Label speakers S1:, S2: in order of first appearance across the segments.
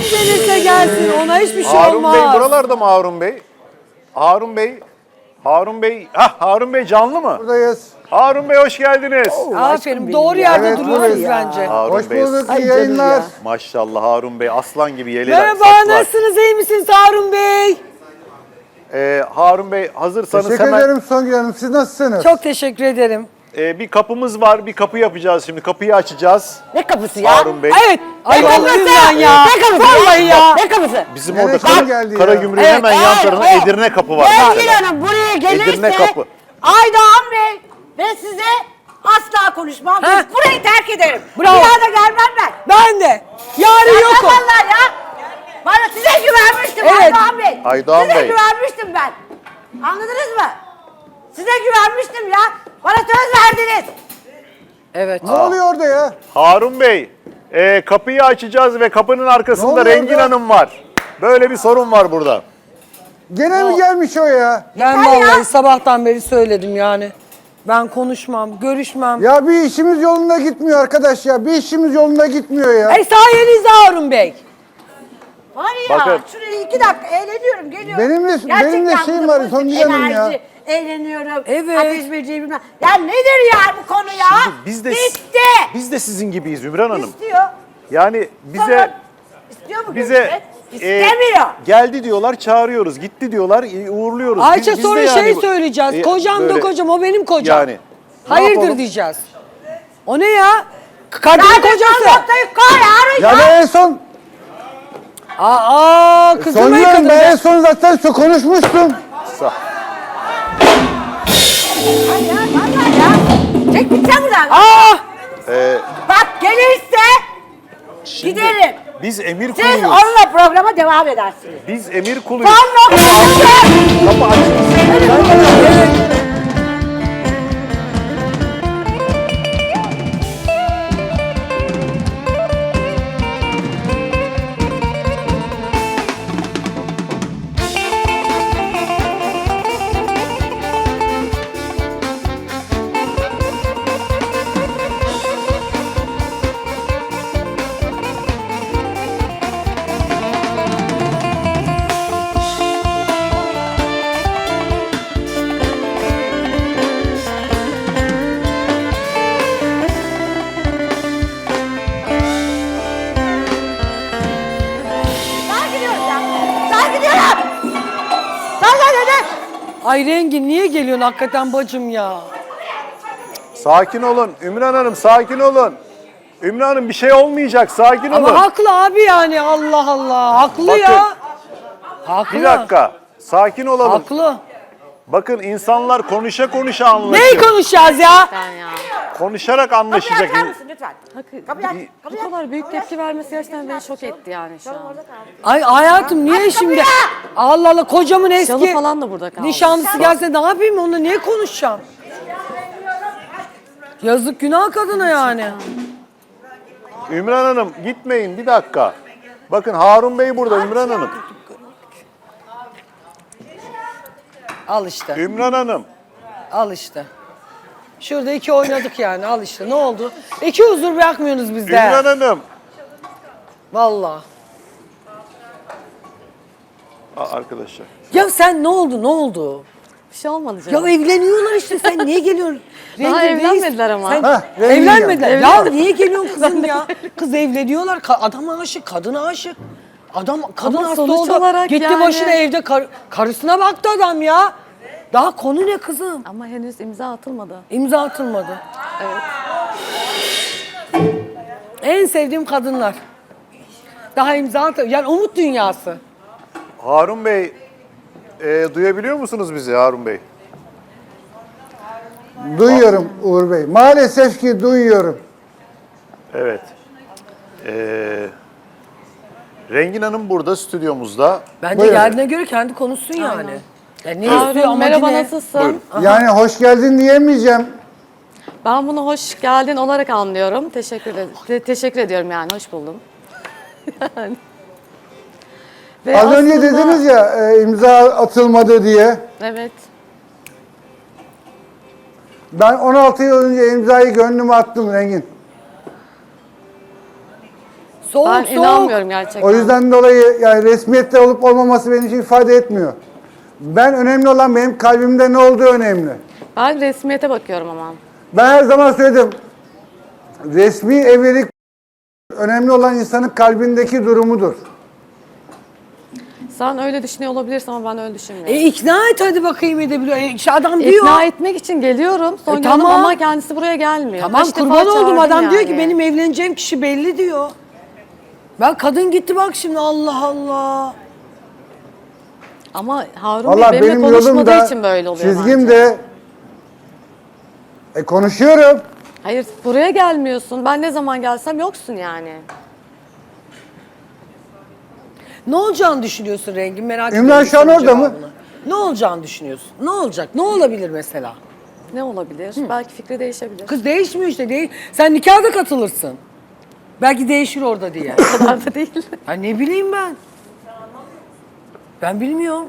S1: gelirse gelsin, ona hiçbir şey
S2: Harun
S1: olmaz.
S2: Bey buralarda mı Harun Bey? Harun Bey. Harun Bey canlı mı?
S3: Buradayız.
S2: Harun Bey hoş geldiniz.
S1: Aferin, doğru yerde
S3: Evet,
S1: duruyorsunuz
S3: buradayız.
S1: bence.
S2: Harun
S3: Hoş
S2: Bey.
S3: bulduk,
S1: Ay
S3: iyi
S1: canım
S3: yayınlar.
S1: ya.
S2: Maşallah Harun Bey aslan gibi yeleler.
S1: Merhaba,
S2: saçlar.
S1: nasılsınız, iyi misiniz Harun Bey?
S2: Harun Bey hazırsanız
S3: Teşekkür
S2: hemen
S3: ederim Songül Hanım. Siz nasılsınız?
S1: Çok teşekkür ederim.
S2: bir kapımız var. Bir kapı yapacağız şimdi. Kapıyı açacağız.
S4: Ne kapısı ya?
S2: Harun Bey.
S1: Evet, ay
S4: Ne
S1: vallahi
S4: kapısı?
S1: billahi ya.
S4: Ne kapısı?
S1: Vallahi ya.
S4: Ne kapısı?
S2: Bizim
S3: Nereye
S2: orada
S3: kim geldi ya?
S2: Karagümrük'ün
S1: Evet,
S2: hemen yan tarafında
S4: evet.
S2: Edirne kapı var.
S4: Sevgili
S2: mesela.
S4: Hanım buraya gelirse
S2: Edirne kapı.
S4: Aydoğan Bey ve size asla konuşmam.
S1: Ha.
S4: Burayı terk ederim.
S1: Bravo.
S4: Bir daha da gelmem ben.
S1: Ben de. Yarın yokum.
S4: Vallahi ya. Bana size güvenmiştim
S1: Evet.
S4: Aydoğan Bey.
S2: Aydoğan
S4: size
S2: Bey.
S4: güvenmiştim ben. Anladınız mı? Size güvenmiştim ya. Bana söz verdiniz.
S1: Evet.
S3: Ne oluyor orada ya?
S2: Harun Bey, kapıyı açacağız ve kapının
S3: Ne
S2: arkasında
S3: oluyor
S2: Rengin
S3: orada?
S2: Hanım var. Böyle bir sorun var burada.
S3: Gene mi gelmiş o ya?
S1: Ben
S4: Yeter ya.
S1: vallahi sabahtan beri söyledim yani. Ben konuşmam, görüşmem.
S3: Ya bir işimiz yolunda gitmiyor arkadaş ya. Bir işimiz yolunda gitmiyor ya.
S1: Sayenizde Harun Bey.
S4: Var ya
S2: Bakın.
S4: şuraya 2 dakika eğleniyorum geliyorum.
S3: Benim de şeyim var,
S4: pozitif
S3: Songül Hanım ya.
S4: enerji, eğleniyorum.
S1: Evet.
S4: Ateş böceği bilmem. Ya nedir ya bu konu ya?
S2: Biz de
S4: Bitti.
S2: biz de sizin gibiyiz Ümran Hanım.
S4: İstiyor.
S2: Yani bize
S4: Sonra istiyor mu
S2: bize
S4: görüşmek? İstemiyor.
S2: geldi diyorlar, çağırıyoruz. Gitti diyorlar, uğurluyoruz.
S1: Ayça
S2: Biz de
S1: sonra
S2: yani
S1: şey
S2: bu-
S1: söyleyeceğiz. Kocam da
S2: böyle-
S1: kocam, o benim kocam.
S2: Yani. Ne
S1: Hayırdır
S2: yapalım?
S1: diyeceğiz. O ne ya? Kadın
S4: Sen de
S1: kocası.
S4: son noktayı koy Harun
S3: Ya
S4: ya.
S3: ben en son,
S1: Kızım
S3: Songül
S1: ey
S3: Hanım
S1: kadın.
S3: ben en son zaten konuşmuştum.
S2: Sa-
S4: Ay ya vallahi ya. Çek gideceğim buradan. Bak gelirse giderim.
S2: Biz emir
S4: Siz
S2: kuluyuz.
S4: onunla programa devam edersiniz.
S2: Biz emir kuluyuz.
S4: Son noktası.
S2: Kapı açılsın.
S4: Sen gidiyorum ya. Sen gidiyorum. Sen.
S1: Ay Rengin niye geliyorsun hakikaten bacım ya?
S2: Sakin olun. Ümran Hanım sakin olun. Ümran Hanım bir şey olmayacak. Sakin olun.
S1: Ama haklı abi yani, Allah Allah. Haklı
S2: Bakın.
S1: ya. Haklı.
S2: Bir dakika. Sakin olalım.
S1: Haklı.
S2: Bakın insanlar konuşa konuşa
S1: Neyi
S2: anlaşıyor.
S1: konuşacağız ya?
S2: Konuşarak
S4: Kapıyı
S2: anlaşacak.
S4: açar mısın lütfen? Kapıyı aç.
S5: Bu
S4: Kapıyı aç.
S5: kadar büyük tepki vermesi gerçekten beni şok etti yani şu an.
S1: Ay hayatım niye
S4: Aç
S1: şimdi?
S4: kapıyı!
S1: Allah Allah, kocamın eski
S5: Şalı falan da burada kaldı.
S1: nişanlısı gelse ne yapayım, onunla niye konuşacağım? Yazık, günah kadına yani.
S2: Ümran Hanım gitmeyin bir dakika. Bakın Harun Bey burada Ümran Hanım.
S1: Al işte,
S2: Ümran Hanım.
S1: al işte. Şurada iki oynadık yani, al işte. Ne oldu? İki huzur bırakmıyorsunuz bizde.
S2: Ümran Hanım.
S1: Vallahi.
S2: Arkadaşlar.
S1: Ya sen ne oldu, ne oldu?
S5: Bir şey olmadı
S1: Ya
S5: canım.
S1: evleniyorlar işte, sen niye geliyorsun?
S5: Daha
S1: Rengin,
S5: evlenmediler ama.
S1: Sen
S3: Heh, Rengin
S1: evlenmediler.
S3: ya.
S1: Ya niye geliyorsun kızım ya? Kız evleniyorlar, adam aşık, kadına aşık. Kadın
S5: Ama
S1: hasta
S5: sonuç
S1: oldu.
S5: olarak
S1: Gitti
S5: yani-
S1: başına evde karısına baktı adam ya. Daha konu ne kızım?
S5: Ama henüz imza atılmadı.
S1: İmza atılmadı.
S5: Evet.
S1: En sevdiğim kadınlar. Daha imza atılmadı. Yani umut dünyası.
S2: Harun Bey duyabiliyor musunuz bizi Harun Bey?
S3: Duyuyorum Uğur Bey. Maalesef ki duyuyorum.
S2: Evet. Rengin Hanım burada stüdyomuzda.
S1: Bence
S3: Buyurun.
S1: geldiğine göre kendi konuşsun yani. Ya ne istiyor,
S5: Harun,
S1: amacı
S5: merhaba
S1: ne?
S5: nasılsın?
S2: Buyurun.
S3: Yani hoş geldin diyemeyeceğim.
S5: Ben bunu hoş geldin olarak anlıyorum. Teşekkür ediyorum yani, hoş buldum. Yani. Ve
S3: Az önce
S5: aslında-
S3: dediniz ya imza atılmadı diye.
S5: Evet.
S3: Ben 16 yıl önce imzayı gönlüme attım Rengin.
S1: Soğuk
S5: Ben
S1: soğuk.
S5: inanmıyorum gerçekten.
S3: O yüzden dolayı yani resmiyette olup olmaması benim için ifade etmiyor. Ben önemli olan benim kalbimde ne olduğu önemli.
S5: Ben resmiyete bakıyorum ama.
S3: Ben her zaman söyledim. Resmi evlilik önemli olan insanın kalbindeki durumudur.
S5: Sen öyle düşünüyor olabilirsin ama ben öyle düşünmüyorum.
S1: İkna et hadi bakayım edebiliyor. İşte adam diyor.
S5: İkna etmek için geliyorum. Songül Hanım
S1: tamam.
S5: ama kendisi buraya gelmiyor.
S1: Tamam
S5: Kaç defa
S1: kurban oldum
S5: çağırdım
S1: adam diyor ki
S5: yani.
S1: benim evleneceğim kişi belli diyor. Ben kadın gitti bak şimdi Allah Allah.
S5: Ama Harun
S3: Valla
S5: Bey benimle
S3: benim yolum
S5: konuşmadığı
S3: da
S5: için böyle oluyor
S3: çizgim
S5: bence.
S3: de konuşuyorum.
S5: Hayır buraya gelmiyorsun. Ben ne zaman gelsem yoksun yani.
S1: Ne olacağını düşünüyorsun Rengin merak
S3: İmran
S1: ediyorum.
S3: şu an
S1: senin
S3: orada mı?
S1: cevabını. Ne olacağını düşünüyorsun? Ne olacak? Ne olabilir mesela?
S5: Ne olabilir? Belki fikri değişebilir.
S1: Kız değişmiyor işte. Sen nikahda katılırsın. Belki değişir orada diye.
S5: O kadar da değil.
S1: Ha ne bileyim ben. Ben bilmiyorum.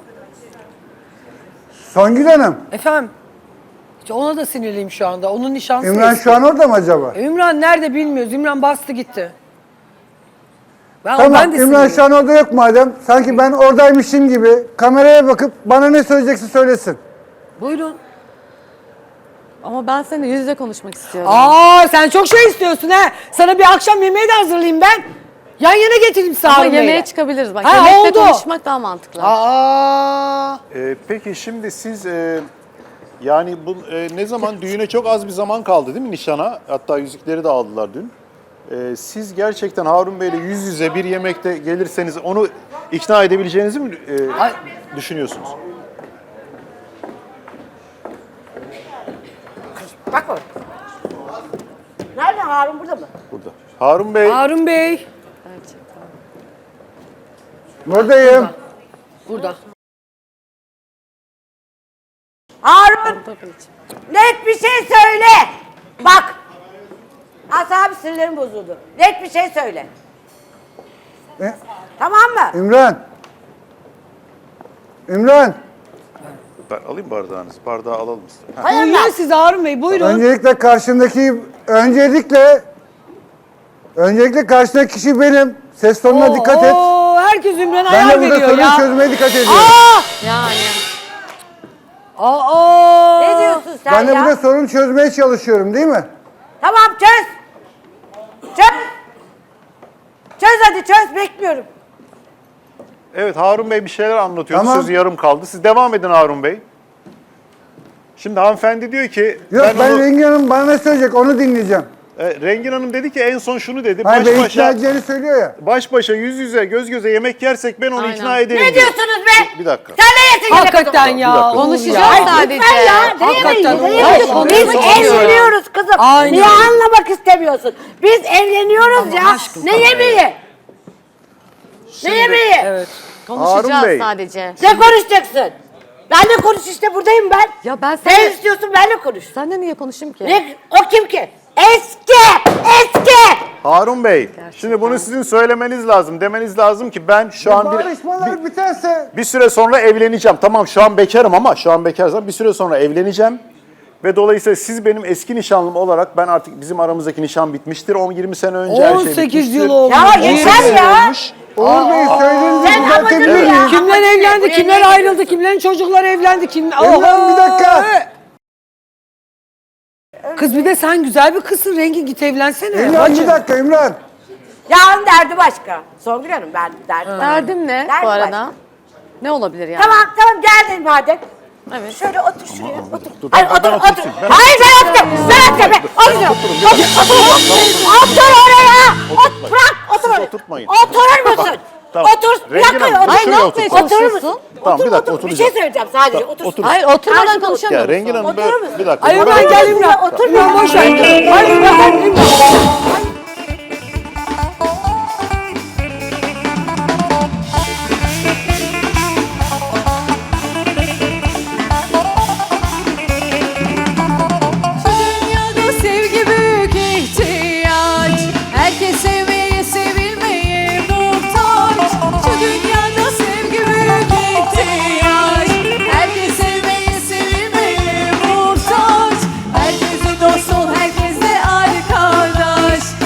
S3: Songül Hanım,
S1: Efendim. İşte ona da sinirliyim şu anda. Onun nişanlısı
S3: İmran
S1: eski.
S3: şu an orada mı acaba?
S1: Ümran nerede bilmiyoruz. Ümran bastı gitti. Ben
S3: Tamam,
S1: de
S3: İmran
S1: sinirliyim.
S3: şu an orada yok madem. Sanki ben oradaymışım gibi kameraya bakıp bana ne söyleyecekse söylesin.
S1: Buyurun.
S5: Ama ben seninle yüz yüze konuşmak istiyorum.
S1: Aa sen çok şey istiyorsun ha. Sana bir akşam yemeği de hazırlayayım ben. Yan yana getireyim
S5: Ama
S1: Sarı
S5: yemeğe
S1: Bey'le.
S5: çıkabiliriz. Bak
S1: Ha,
S5: yemekte
S1: oldu.
S5: konuşmak daha mantıklı.
S1: Aa.
S2: Peki şimdi siz yani bu ne zaman düğüne çok az bir zaman kaldı değil mi nişana? Hatta yüzükleri de aldılar dün. Siz gerçekten Harun Bey'le yüz yüze bir yemekte gelirseniz onu ikna edebileceğinizi mi düşünüyorsunuz?
S4: Bak o. Nerede Harun burada mı?
S2: Burada. Harun Bey,
S1: Harun Bey.
S5: Gerçekten.
S3: Buradayım.
S1: Burada.
S4: Harun
S5: Tabii ki.
S4: net bir şey söyle. Bak. Asabi sinirlerim bozuldu. Net bir şey söyle.
S3: E,
S4: Tamam mı?
S3: İmran. İmran.
S2: ben alayım bardağınızı. Bardağı alalım size. Ha.
S4: Hayır
S1: Buyurun siz Harun Bey buyurun.
S3: Öncelikle karşındaki kişi benim. Ses tonuna dikkat et.
S1: Oo, herkes Ümran'a
S3: Ben
S1: ayar
S3: de burada
S1: veriyor
S3: sorun
S1: ya.
S3: çözmeye dikkat ediyorum.
S5: Yani.
S1: Aa.
S4: Ne diyorsun sen
S3: Ben de
S4: ya?
S3: burada sorun çözmeye çalışıyorum değil mi?
S4: Tamam çöz. Çöz. Çöz hadi çöz bekliyorum.
S2: Evet Harun Bey bir şeyler anlatıyordu.
S3: Tamam.
S2: Sözü yarım kaldı. Siz devam edin Harun Bey. Şimdi hanımefendi diyor ki
S3: Yok ben
S2: onu,
S3: Rengin Hanım bana ne söyleyecek onu dinleyeceğim.
S2: Rengin Hanım dedi ki en son şunu dedi.
S3: Hayır
S2: Baş
S3: beni
S2: başa,
S3: ikna edeceğini söylüyor ya.
S2: baş başa yüz yüze göz göze yemek yersek ben onu
S5: Aynen.
S2: ikna ederim.
S4: Ne
S2: diyor.
S4: diyorsunuz be?
S2: Bir dakika.
S4: Sen ne yesin
S1: Hakikaten
S2: Bir
S1: ya.
S2: dakika.
S5: Konuşacağız
S1: Ya.
S5: sadece.
S4: Lütfen ya.
S1: Hakikaten
S4: Neyemeyiz?
S1: Hayır,
S4: Biz
S1: konuşmak istiyorum.
S4: evleniyoruz kızım.
S1: Aynen.
S4: Niye anlamak istemiyorsun? Biz evleniyoruz
S1: Allah
S4: ya.
S1: aşkına.
S4: Ne yemeği? Ne yemeği?
S1: Evet.
S5: Konuşacağız
S2: Harun Bey.
S5: sadece.
S4: Ne konuşacaksın? Benle konuş işte buradayım ben.
S5: Ya ben
S4: Sen istiyorsun benle konuş.
S5: Senle niye konuşayım ki?
S4: Ne? O kim ki? Eski! Eski!
S2: Harun Bey, şimdi bunu sizin söylemeniz lazım. Demeniz lazım ki ben şu an
S3: Barışmalar biterse
S2: bir süre sonra evleneceğim. Tamam şu an bekarım ama şu an bekarsam bir süre sonra evleneceğim. Ve dolayısıyla siz benim eski nişanlım olarak ben artık bizim aramızdaki nişan bitmiştir. 10-20 sene önce her şey
S1: 18
S2: bitmiştir.
S1: yıl olmuş.
S4: Ya yeter ya.
S3: Uğur Bey söylediğinizi
S4: Sen
S3: düzeltebilir
S4: amacını
S3: miyim?
S4: ya.
S1: Kimler evlendi,
S4: Buraya
S1: kimler
S4: niye
S1: ayrıldı, kimlerin çocukları evlendi, kim...
S3: İmran, bir dakika.
S1: Kız bir de sen güzel bir kızsın, rengi git evlensene.
S3: İmran
S1: Bacım.
S3: bir dakika İmran.
S4: Yarın derdi başka. Songül Hanım ben derdim.
S5: Derdim ne
S4: Derdim
S5: bu arada?
S4: başka.
S5: Ne olabilir yani?
S4: Tamam geldin madem.
S5: Evet.
S4: Şöyle otur şuraya. Otur.
S2: dur,
S4: Hayır
S2: ben
S4: otur
S2: oturayım,
S4: otur.
S2: ben
S4: Hayır ben otur. Ben otur. Otur. Otur oraya. Bırak otur oraya.
S2: oturtmayın.
S4: Oturur musun?
S2: Tamam.
S4: Otur. Bir
S2: Rengin
S4: dakika.
S2: Hanım,
S4: Otur.
S5: Ay ne
S2: şuraya
S5: yapmaya
S2: otur.
S4: Oturur
S5: çalışıyorsun?
S4: musun?
S2: Tamam, bir dakika,
S4: otur. Bir
S2: oturacağım.
S4: şey söyleyeceğim sadece.
S2: Tamam,
S4: Otur.
S2: otur.
S5: Hayır oturmadan
S4: Karşıda
S5: konuşamıyor
S2: Ya Rengin
S5: musun?
S2: Hanım
S4: Oturur
S2: böyle,
S4: musun?
S2: bir dakika.
S1: Ay
S2: bana-
S1: Ümran gel Ümran.
S4: Otur.
S1: Ümran boş ver. Hayır Ümran.
S6: Dünyada sevgi büyük ihtiyaç. Herkes sevmeye, sevilmeye muhtaç. Şu dünyada sevgi büyük ihtiyaç. Herkes sevmeye, sevilmeye muhtaç. Herkese dost ol, herkesle arkadaş.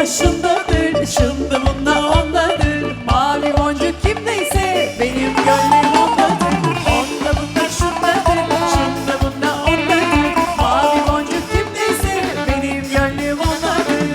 S6: şundadır, şunda bunda ondadır. Mavi boncuk kimdeyse benim gönlüm ondadır. Onda bunda şundadır, şunda bunda ondadır. Mavi boncuk kimdeyse benim gönlüm ondadır.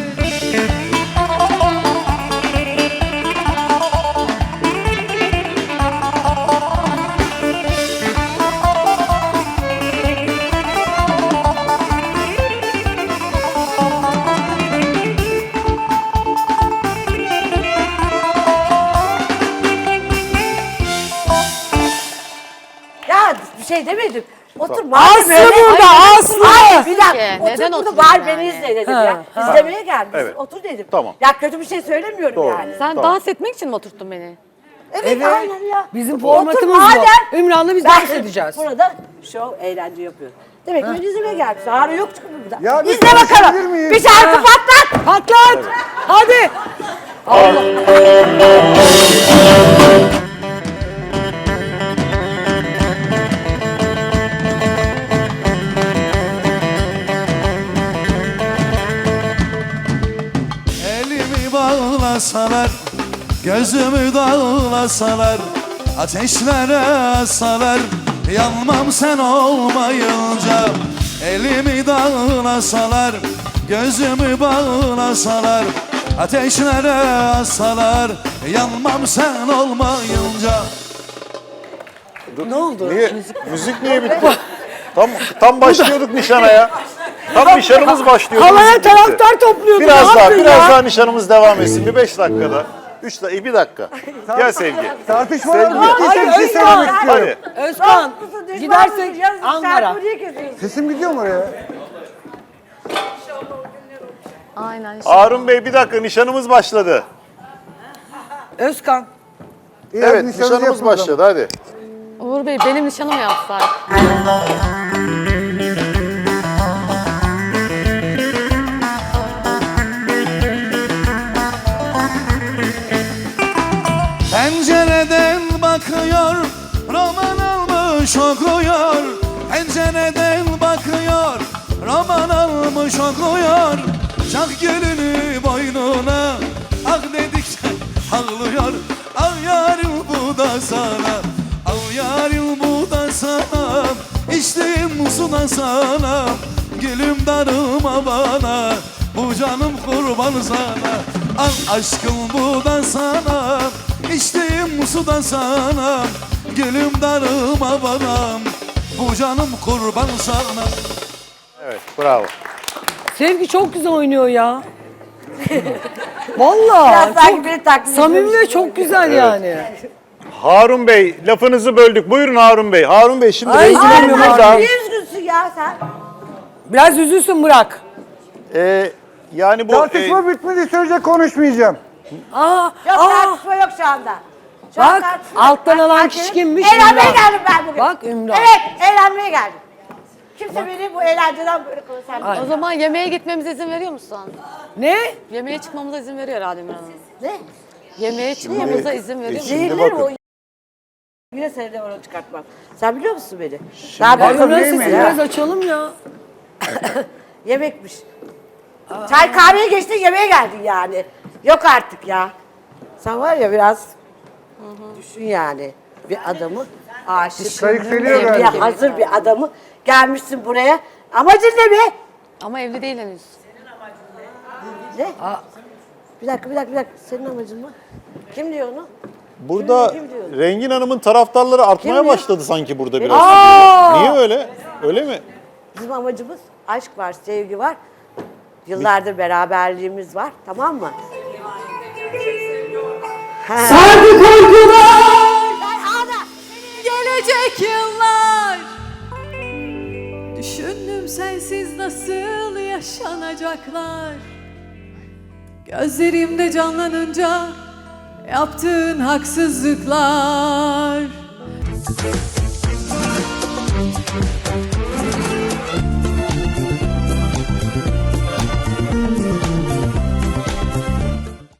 S4: Ya bir şey demedim. Otur.
S1: Aslı burada, Aslı.
S4: Hayır bir dakika.
S5: Ki,
S4: Otur
S5: neden
S4: burada
S5: oturayım
S4: var
S5: yani?
S4: beni izle dedim ya. İzlemeye geldim.
S2: Evet.
S4: Otur dedim.
S2: Tamam.
S4: Ya kötü bir şey söylemiyorum
S2: Doğru.
S4: yani.
S5: Sen
S2: Tamam.
S5: dans etmek için mi oturttun beni?
S4: Evet, aynen ya.
S1: Bizim
S4: Otur
S1: formatımız
S4: madem.
S1: bu. Ümran'la biz
S4: Ben
S1: dans edeceğiz.
S4: Burada şov, eğlence yapıyor. Demek ki beni izlemeye gelmiş. Ağrı yok çünkü burada.
S3: Ya bir
S4: İzle
S3: konuşabilir
S4: bakalım.
S3: miyim?
S4: Bir şarkı patlat.
S1: Patlat. Hadi.
S7: Elimi bağlasalar, gözümü dağlasalar, ateşlere asalar, yanmam sen olmayınca. Elimi dağlasalar, gözümü bağlasalar, ateşlere asalar, yanmam sen olmayınca.
S1: Ne oldu?
S2: Niye? Müzik niye bitti? Tam başlıyorduk nişana ya. Tam nişanımız başlıyordu.
S1: Havaya
S2: müzik bitti.
S1: taraftar topluyordu.
S2: Biraz
S1: Ne
S2: daha,
S1: yaptın
S2: biraz
S1: ya?
S2: daha nişanımız devam etsin. Bir 5 dakikada. 3 dakika, 1 dakika. Gel Sevgi.
S3: Tartışmalar
S2: Sevgi.
S3: bittiyse bir şey söylemek istiyorum.
S2: Hadi.
S1: Özkan
S4: Dostlusun, düşmanlısın,
S1: gidersek
S4: yazık,
S1: Ankara.
S4: şarkı niye kesiyorsun?
S3: Sesim gidiyor mu oraya?
S5: Aynen.
S2: Harun Bey bir dakika nişanımız başladı.
S1: Özkan.
S3: İyi, hadi
S2: Evet
S3: nişanınızı
S2: nişanımız
S3: yapın o zaman.
S2: başladı hadi.
S5: Uğur Bey benim nişanımı yapsak.
S7: Pencereden bakıyor, roman almış okuyor. Pencereden bakıyor, roman almış okuyor. Çak gülünü boynuna, ah dedikçe ağlıyor. Ah yarim bu da sana, ah yarim bu da sana. İçtiğim su da sana, gülüm darıma bana. Bu canım kurban sana, al aşkım bu da sana. İçtiğim su da sana, gülüm darıma bana. Bu canım kurban sana.
S2: Evet bravo.
S1: Sevgi çok güzel oynuyor ya.
S4: Biraz
S1: Vallahi
S4: sanki
S1: çok
S4: beni taklit
S1: samimi
S4: ediyormuş
S1: ve
S4: gibi.
S1: çok güzel yani.
S2: Harun Bey lafınızı böldük. Buyurun Harun Bey. Harun Bey şimdi
S1: Ay,
S2: Rengin
S1: Harun
S2: Hanım
S1: Bey.
S2: burada.
S4: Niye üzgünsün ya sen?
S1: Biraz üzülsün bırak.
S2: Yani bu
S3: Tartışma bitmedi sürece konuşmayacağım.
S1: Aa,
S4: Yok
S1: aa.
S4: tartışma yok şu anda. Şu an
S1: Bak
S4: tartışma yok.
S1: alttan
S4: Ben
S1: alan
S4: herkesin-
S1: kişi kimmiş?
S4: Eğlenmeye
S1: Ümran.
S4: geldim ben bugün.
S1: Bak Ümran.
S4: Evet eğlenmeye geldim. Kimse beni bu eğlenceden böyle konuşamıyor.
S5: O zaman yemeğe gitmemize izin veriyor musun?
S1: Ne?
S5: Yemeğe çıkmamıza izin veriyor Ademir Hanım.
S4: Ne?
S5: Yemeğe çıkmamıza izin veriyor musun?
S2: Şimdi
S4: Zehirler
S2: bakın.
S4: o. Yine seni de oradan çıkartmam. Sen biliyor musun beni? Daha
S1: Bak
S4: bakın
S1: Ümran
S3: değil mi
S1: sesini
S3: ya?
S1: biraz açalım ya.
S4: yemekmiş. Çay kahveye geçtin yemeğe geldin yani. Yok artık ya. Sen var ya biraz düşün yani. Bir adamı aşık,
S3: Kayıkseliyor
S4: evliye
S3: galiba.
S4: hazır bir adamı gelmişsin buraya. Amacın ne be?
S5: Ama evli değil henüz.
S4: Ne? Bir dakika. Senin amacın mı? Kim diyor onu?
S2: Burada
S4: Kim diyor?
S2: Rengin Hanım'ın taraftarları artmaya
S4: Kim diyor?
S2: başladı sanki burada biraz.
S1: Aa!
S2: Niye öyle? Öyle mi?
S4: Bizim amacımız aşk var, sevgi var. Yıllardır beraberliğimiz var. Tamam mı?
S1: Sardı korkular.
S6: Gelecek yıllar düşündüm sensiz nasıl yaşanacaklar. Gözlerimde canlanınca yaptığın haksızlıklar.